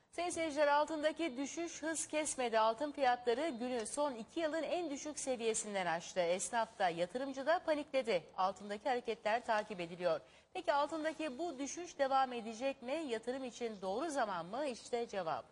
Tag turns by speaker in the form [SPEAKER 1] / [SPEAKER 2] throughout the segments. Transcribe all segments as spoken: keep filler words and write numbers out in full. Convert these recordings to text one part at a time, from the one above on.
[SPEAKER 1] Sayın seyirciler, altındaki düşüş hız kesmedi. Altın fiyatları günü son iki yılın en düşük seviyesinden aştı. Esnaf da yatırımcı da panikledi. Altındaki hareketler takip ediliyor. Peki altındaki bu düşüş devam edecek mi? Yatırım için doğru zaman mı? İşte cevap.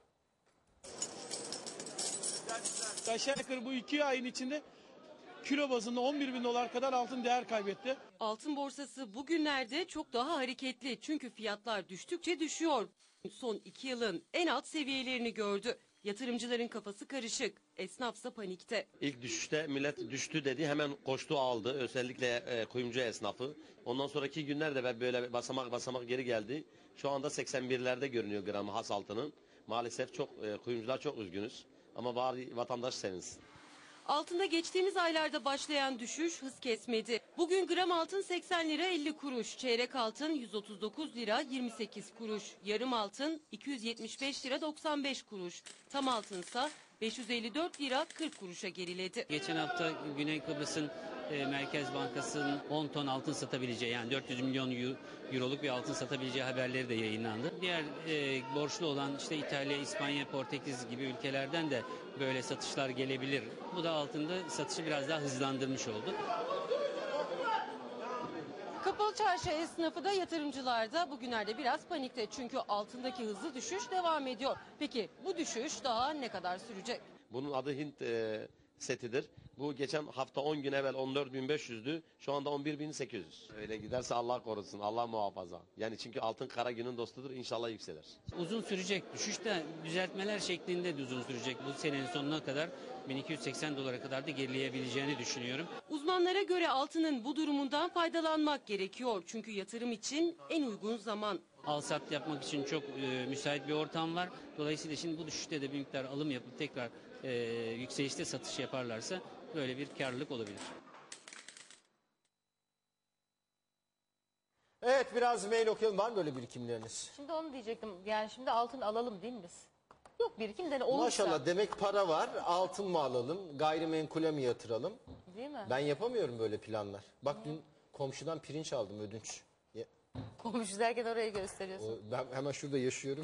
[SPEAKER 2] Aşağı yukarı bu iki ayın içinde kilo bazında on bir bin dolar kadar altın değer kaybetti.
[SPEAKER 3] Altın borsası bugünlerde çok daha hareketli çünkü fiyatlar düştükçe düşüyor. Son iki yılın en alt seviyelerini gördü. Yatırımcıların kafası karışık, esnafsa panikte.
[SPEAKER 4] İlk düşüşte millet düştü dedi, hemen koştu aldı, özellikle e, kuyumcu esnafı. Ondan sonraki günlerde böyle basamak basamak geri geldi. Şu anda seksen birlerde görünüyor gramı has altının. Maalesef çok e, kuyumcular çok üzgünüz ama bari vatandaş sevinsin.
[SPEAKER 3] Altında geçtiğimiz aylarda başlayan düşüş hız kesmedi. Bugün gram altın seksen lira elli kuruş, çeyrek altın yüz otuz dokuz lira yirmi sekiz kuruş, yarım altın iki yüz yetmiş beş lira doksan beş kuruş, tam altınsa beş yüz elli dört lira kırk kuruşa geriledi.
[SPEAKER 5] Geçen hafta Güney Kıbrıs'ın e, Merkez Bankası'nın on ton altın satabileceği, yani dört yüz milyon euroluk bir altın satabileceği haberleri de yayınlandı. Diğer e, borçlu olan işte İtalya, İspanya, Portekiz gibi ülkelerden de böyle satışlar gelebilir. Bu da altında satışı biraz daha hızlandırmış oldu.
[SPEAKER 3] Kapalı çarşı esnafı da yatırımcılar da bugünlerde biraz panikte çünkü altındaki hızlı düşüş devam ediyor. Peki bu düşüş daha ne kadar sürecek?
[SPEAKER 4] Bunun adı Hint e, setidir. Bu geçen hafta on gün evvel on dört bin beş yüzdü. Şu anda on bir bin sekiz yüz. Öyle giderse Allah korusun, Allah muhafaza. Yani çünkü altın kara günün dostudur, inşallah yükselir.
[SPEAKER 5] Uzun sürecek. Düşüş de düzeltmeler şeklinde de uzun sürecek. Bu senenin sonuna kadar bin iki yüz seksen dolara kadar da gerileyebileceğini düşünüyorum.
[SPEAKER 3] Uzmanlara göre altının bu durumundan faydalanmak gerekiyor. Çünkü yatırım için en uygun zaman.
[SPEAKER 5] Al sat yapmak için çok e, müsait bir ortam var. Dolayısıyla şimdi bu düşüşte de bir miktar alım yapıp tekrar e, yükselişte satış yaparlarsa böyle bir karlılık olabilir.
[SPEAKER 6] Evet, biraz mail okuyalım. Var mı böyle birikimleriniz?
[SPEAKER 1] Şimdi onu diyecektim. Yani şimdi altın alalım değil mi biz? Yok birikimden olursa.
[SPEAKER 6] Maşallah, demek para var. Altın mı alalım, gayrimenkule mi yatıralım?
[SPEAKER 1] Değil mi?
[SPEAKER 6] Ben yapamıyorum böyle planlar. Bak dün komşudan pirinç aldım, ödünç. Ya-
[SPEAKER 1] Komşu derken orayı gösteriyorsun.
[SPEAKER 6] o- Ben hemen şurada yaşıyorum.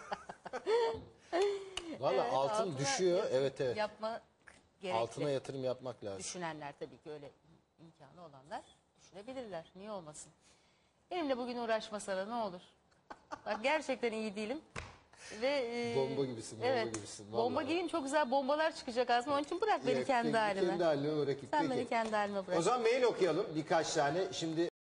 [SPEAKER 6] Valla
[SPEAKER 1] Evet,
[SPEAKER 6] altın
[SPEAKER 1] altına
[SPEAKER 6] düşüyor.
[SPEAKER 1] yatırım
[SPEAKER 6] Evet evet.
[SPEAKER 1] Yapmak gerekli.
[SPEAKER 6] Altına yatırım yapmak lazım.
[SPEAKER 1] Düşünenler tabii ki, öyle imkanı olanlar düşünebilirler. Niye olmasın? Benimle bugün uğraşma Sara, ne olur. Bak gerçekten iyi değilim. Ve e,
[SPEAKER 6] Bomba gibisin, bomba
[SPEAKER 1] evet,
[SPEAKER 6] gibisin, vallahi.
[SPEAKER 1] Bomba gibiyim, çok güzel bombalar çıkacak aslında. Onun için bırak beni
[SPEAKER 6] Evet,
[SPEAKER 1] kendi
[SPEAKER 6] peki,
[SPEAKER 1] halime.
[SPEAKER 6] Kendi halime bırakayım.
[SPEAKER 1] Sen
[SPEAKER 6] Peki.
[SPEAKER 1] beni kendi halime bırak.
[SPEAKER 6] O zaman mail okuyalım birkaç tane. Şimdi